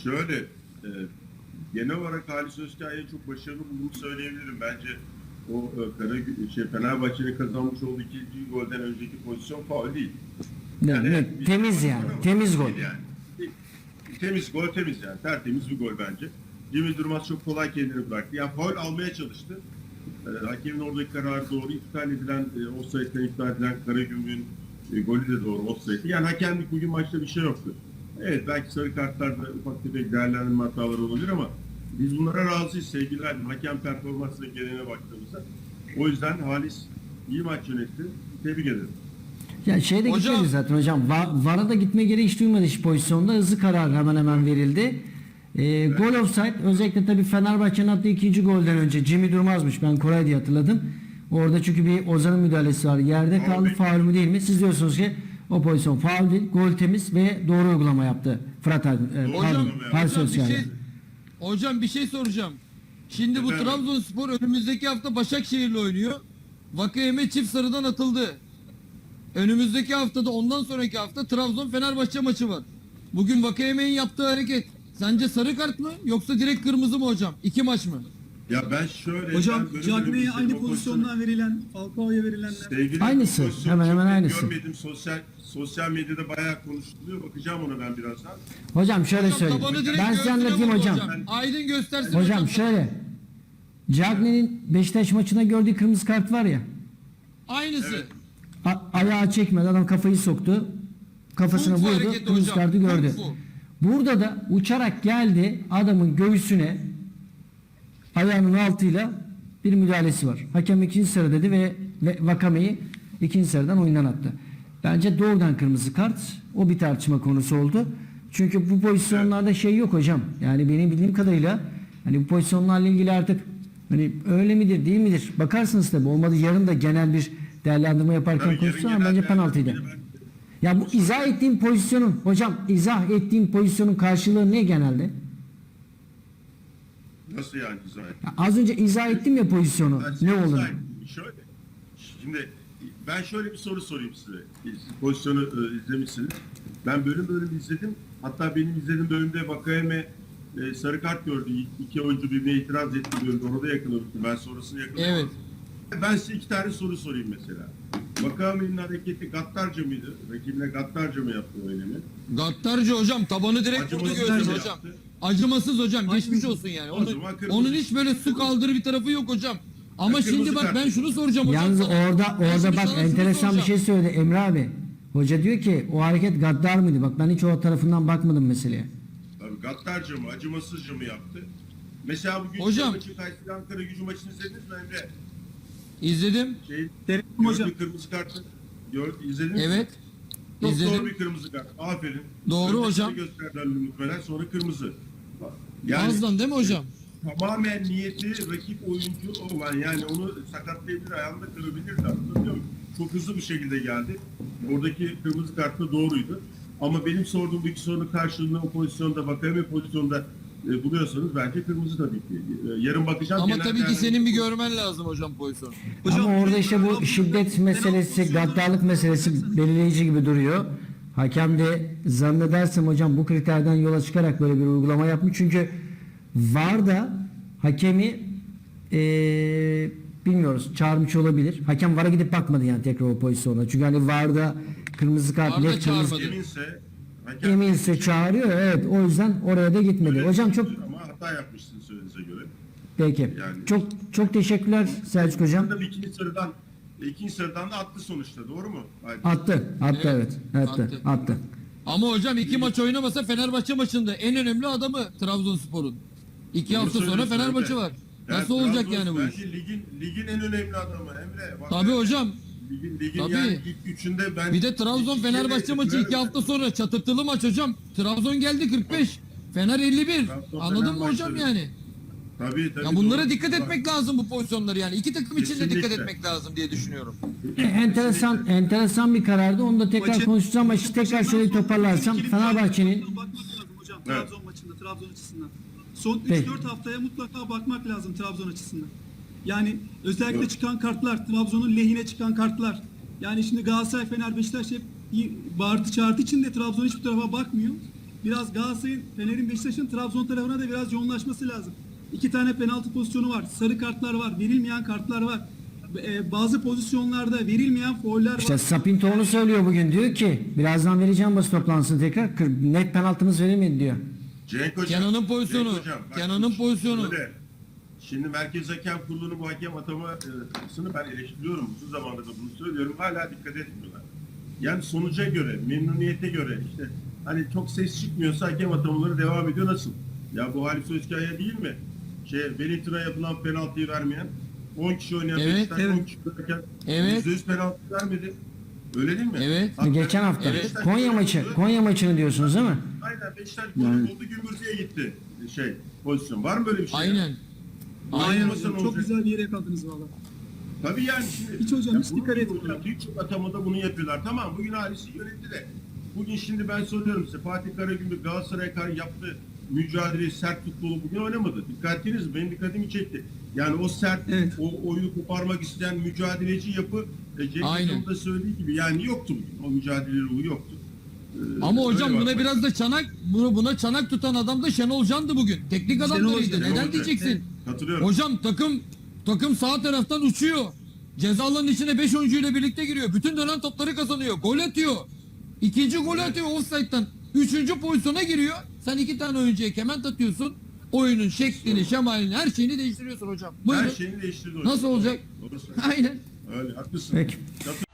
şöyle genel olarak Halis Özkaya'ya çok başarılı bulduğumu söyleyebilirim. Bence o Fenerbahçe'nin kazanmış olduğu ikinci golden önceki pozisyon faul değil. Yani, temiz yani. Temiz gol. Yani. Temiz gol, temiz yani. Tertemiz bir gol bence. Cemil Durmaz çok kolay kendini bıraktı. Yani faul almaya çalıştı. Hakemin oradaki kararı doğru. İptal edilen, offside'den iptal edilen Karagümrük'ün golü de doğru offside. Yani hakemlik bugün maçta bir şey yoktu. Evet, belki sarı kartlarda ufak tefek değerlendirme hataları olabilir ama biz bunlara razıyız sevgili abim. Hakem performansına geneline baktığımızda. O yüzden Halis iyi maç yönetti. Tebrik ederim. Ya şeyde gitmedi zaten hocam. VAR'a da gitme gereği hiç duymadı hiç pozisyonda. Hızlı karar hemen verildi. Evet. Gol offside. Özellikle tabii Fenerbahçe'nin attığı ikinci golden önce Jimmy Durmaz'mış. Ben Koray diye hatırladım. Orada çünkü bir Ozan'ın müdahalesi var. Yerde kaldı. Faul mü değil mi? Siz diyorsunuz ki o pozisyon faul değil. Gol temiz ve doğru uygulama yaptı. Hocam bir şey soracağım. Şimdi bu Trabzonspor önümüzdeki hafta Başakşehir'le oynuyor. Vakayeme çift sarıdan atıldı. Önümüzdeki haftada ondan sonraki hafta Trabzon Fenerbahçe maçı var. Bugün Vakayeme'nin yaptığı hareket sence sarı kart mı yoksa direkt kırmızı mı hocam? 2 maç mı? Ya ben şöyle... Hocam Cagney'e aynı pozisyondan verilen, Falcao'ya verilenler. Aynısı. Hemen aynısı. Görmedim. Sosyal medyada bayağı konuşuluyor. Bakacağım ona ben birazdan. Hocam şöyle söyleyeyim. Ben size anlatayım hocam. Aydın göstersin hocam. Şöyle. Cagney'in Beşiktaş maçına gördüğü kırmızı kart var ya. Aynısı. Evet. Ayağı çekmedi. Adam kafayı soktu. Kafasına vurdu. Kırmızı kartı gördü. Burada da uçarak geldi. Adamın göğsüne ayağının altıyla bir müdahalesi var. Hakem ikinci sarı dedi ve Vakame'yi ikinci sarıdan oyundan attı. Bence doğrudan kırmızı kart. O bir tartışma konusu oldu. Çünkü bu pozisyonlarda şey yok hocam. Yani benim bildiğim kadarıyla hani bu pozisyonlarla ilgili artık hani öyle midir değil midir? Bakarsınız tabii. Olmadı yarın da genel bir değerlendirme yaparken konuşsun ama bence penaltıydı. Ya bu izah ettiğim pozisyonun hocam izah ettiğim pozisyonun karşılığı ne genelde? Nasıl yani izah ettim? Az önce izah ettim ya pozisyonu. Ne olur? Şöyle. Şimdi ben şöyle bir soru sorayım size. Siz pozisyonu izlemişsiniz. Ben bölüm izledim. Hatta benim izlediğim bölümde Vakayeme sarı kart gördü. İki oyuncu birbirine itiraz etti bölümde. Orada yakaladım. Ben sonrasını yakaladım. Evet. Ben size 2 tane soru sorayım mesela. Vakame'nin hareketi gaddarca mıydı? Rakibine gaddarca mı yaptı öyle mi? Gaddarca hocam. Tabanı direkt vurdu göğsüne hocam. Yaptı. Acımasız hocam. Geçmiş olsun yani. Onun hiç böyle su kaldırı bir tarafı yok hocam. Ama şimdi bak ben şunu soracağım hocam. Yalnız orada bak enteresan bir şey söyledi Emre abi. Hoca diyor ki o hareket gaddar mıydı? Bak ben hiç o tarafından bakmadım meseleye. Tabii gaddarca mı, acımasızca mı yaptı? Mesela bugün hocam, Kayseri Ankara Gücü maçını izlediniz mi Emre? İzledim. Hocam. Kırmızı kartı izlediniz mi? Evet. Çok İzledim. doğru bir kırmızı kart. Aferin. Doğru önce hocam. Gösterdiler muhtemelen sonra kırmızı. Yani, Azdan değil mi hocam? Tamamen niyeti rakip oyuncu olan yani onu sakatlayabilir, ayağını da kırabilirdi. Anlatabiliyor muyum? Çok hızlı bir şekilde geldi. Oradaki kırmızı kart da doğruydu. Ama benim sorduğum bu iki sorunun karşılığında o pozisyonda Vakayeme pozisyonda buluyorsanız bence kırmızı tabii ki. Yarın bakacağım. Ama tabii ki senin bir görmen lazım hocam pozisyonu. Ama orada işte bu şiddet meselesi, gaddarlık meselesi belirleyici gibi duruyor. Hakem de zannedersem hocam bu kriterden yola çıkarak böyle bir uygulama yapmış. Çünkü VAR da hakemi bilmiyoruz çağırmış olabilir. Hakem VAR'a gidip bakmadı yani tekrar o pozisyona. Çünkü hani VAR'da kırmızı kart, net kırmızı eminse çağırıyor. Evet o yüzden oraya da gitmedi. Hocam çok ama hata yapmışsın söylediğinize göre. Peki. Yani, çok teşekkürler Selçuk hocam. İkinci sıradan da attı sonuçta. Doğru mu? Attı evet. Attı. Ama hocam 2 maç oynamasa Fenerbahçe maçında en önemli adamı Trabzonspor'un. 2 hafta sonra Fenerbahçe var. Nasıl olacak yani bu iş? Ligin en önemli adamı Emre. Tabii hocam. Ligin yani ilk üçünde ben... Bir de Trabzon Fenerbahçe maçı 2 hafta sonra çatırtılı maç hocam. Trabzon geldi 45. Fener 51. Anladın mı hocam yani? Tabii. Ya bunlara dikkat etmek lazım bu pozisyonları yani. İki takım için de dikkat etmek lazım diye düşünüyorum. Enteresan bir karardı. Onu da tekrar konuşacağım ama tekrar şöyle toparlarsam Fenerbahçe'nin hocam Trabzon maçında Trabzon açısından. Son 3-4 haftaya mutlaka bakmak lazım Trabzon açısından. Yani özellikle çıkan kartlar, Trabzon'un lehine çıkan kartlar. Yani şimdi Galatasaray, Fener, Beşiktaş hep bağırtı çağırtı içinde Trabzon hiçbir tarafa bakmıyor. biraz Galatasaray'ın, Fener'in, Beşiktaş'ın Trabzon tarafına da biraz yoğunlaşması lazım. 2 tane penaltı pozisyonu var. Sarı kartlar var. Verilmeyen kartlar var. Bazı pozisyonlarda verilmeyen fauller var. İşte Sapinto onu söylüyor bugün. Diyor ki birazdan vereceğim basın toplantısını tekrar. Net penaltımız verilmedi diyor. Cenk Hocam, Kenan'ın pozisyonu. Cenk Hocam, bak, Kenan'ın pozisyonu. şöyle, Şimdi Merkez Hakem Kurulu'nun bu hakem atamasını ben eleştiriyorum. Uzun zamandır da bunu söylüyorum. Hala dikkat etmiyorlar. Yani sonuca göre, memnuniyete göre işte hani çok ses çıkmıyorsa hakem atamaları devam ediyor. Nasıl? Ya bu Halis Özkaya değil mi? Wellington'a yapılan penaltıyı vermeyen 10 kişi oynayan Evet, Beşiktaş evet. 10 kişi oynarken Evet. %100 penaltı vermedi. Öyle değil mi? Evet. Geçen hafta Beşiktaş Konya gol maçı. buldu. Konya maçını diyorsunuz değil mi? Aynen Beşiktaş golü buldu, Gümbürtü'ye gitti pozisyon. Var mı böyle bir şey? Aynen. Aynen Aynen. hocam. Çok güzel bir yere yakaladınız valla. Tabii yani şimdi. Hiç hocam, Ya hiç bunu dikkat etmiyor. hocam, birçok atamada bunu yapıyorlar. Tamam bugün Halis'i yönetti de. Bugün şimdi ben soruyorum size. Fatih Karagümrük Galatasaray'a karşı yaptığı mücadele, sert futbolu bugün oynamadı. Dikkat ettiniz mi? Benim dikkatimi çekti. Yani o sert, Evet. o oyunu koparmak isteyen mücadeleci yapı Cenk Aynen. Hocam'ın da söylediği gibi yani yoktu bugün. O mücadele ruhu yoktu. Ama hocam Öyle buna bakmak. biraz da buna çanak tutan adam da Şenol Can'dı bugün. Teknik adamlarıydı. Hoca. Neden Hoca. diyeceksin? Katılıyorum. Hocam takım sağ taraftan uçuyor. Ceza alanının içine 5 oyuncuyla birlikte giriyor. Bütün dönen topları kazanıyor. Gol atıyor. İkinci gol atıyor offside'dan. Üçüncü pozisyona giriyor. Sen 2 tane oyuncuya kement atıyorsun. Oyunun şeklini, şemalini, her şeyini değiştiriyorsun hocam. Buyurun. Her şeyini değiştirdi hocam. Nasıl olacak? Doğru söylüyorsun. Aynen. Öyle haklısın. Peki. Katılıyorum.